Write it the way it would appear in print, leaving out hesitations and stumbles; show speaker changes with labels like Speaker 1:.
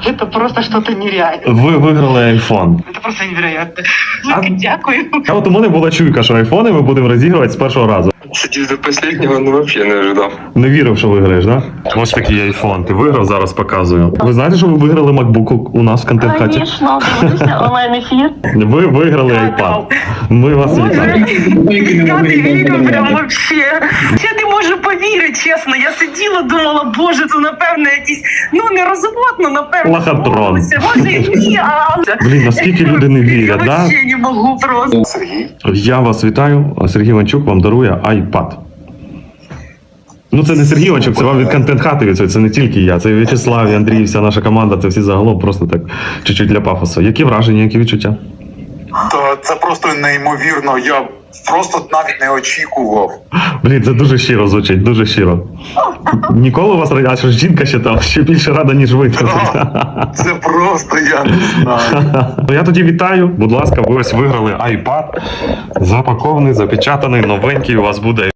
Speaker 1: Это просто что-то нереальное.
Speaker 2: Ви виграли айфон.
Speaker 1: Это просто невероятно.
Speaker 2: А-
Speaker 1: Дякую.
Speaker 2: А от у мене була чуйка, що айфони ми будемо розігрувати з першого разу.
Speaker 3: Сидів до последнего, ну вообще не ожидав.
Speaker 2: Не вірив, що виграєш, да? Ось такий айфон. Ти виграв, зараз показую. Ви знаєте, що ви виграли MacBook у нас в контент-хаті?
Speaker 1: Конечно, дивлюся онлайн-ефір.
Speaker 2: Ви виграли iPad. Ми вас вітаємо.
Speaker 1: Я не вірю прям вообще. Я не можу повірити, чесно. Я сиділа, думала, боже, це напевно якийсь, ну не розводно, напевно.
Speaker 2: Лохотрон.
Speaker 1: Може і ні, але...
Speaker 2: Блін, наскільки люди не вірять,
Speaker 1: Я
Speaker 2: да?
Speaker 1: вообще не можу просто.
Speaker 2: Я вас вітаю. Сергій Іванчук вам дарує iPad. Ну це не Сергій Іванчук, це вам від контент-хати від цього. Це не тільки я, це і В'ячеслав, і Андрій, вся наша команда, це всі загалом просто так чуть-чуть для пафосу. Які враження, які відчуття?
Speaker 4: Та це просто неймовірно. Я просто навіть не очікував.
Speaker 2: Блін, це дуже щиро звучить, дуже щиро. Ніколи у вас а що ж жінка ще там ще більше рада, ніж ви.
Speaker 4: Це просто я не знаю.
Speaker 2: Я тоді вітаю. Будь ласка, ви ось виграли iPad. Запакований, запечатаний, новенький у вас буде.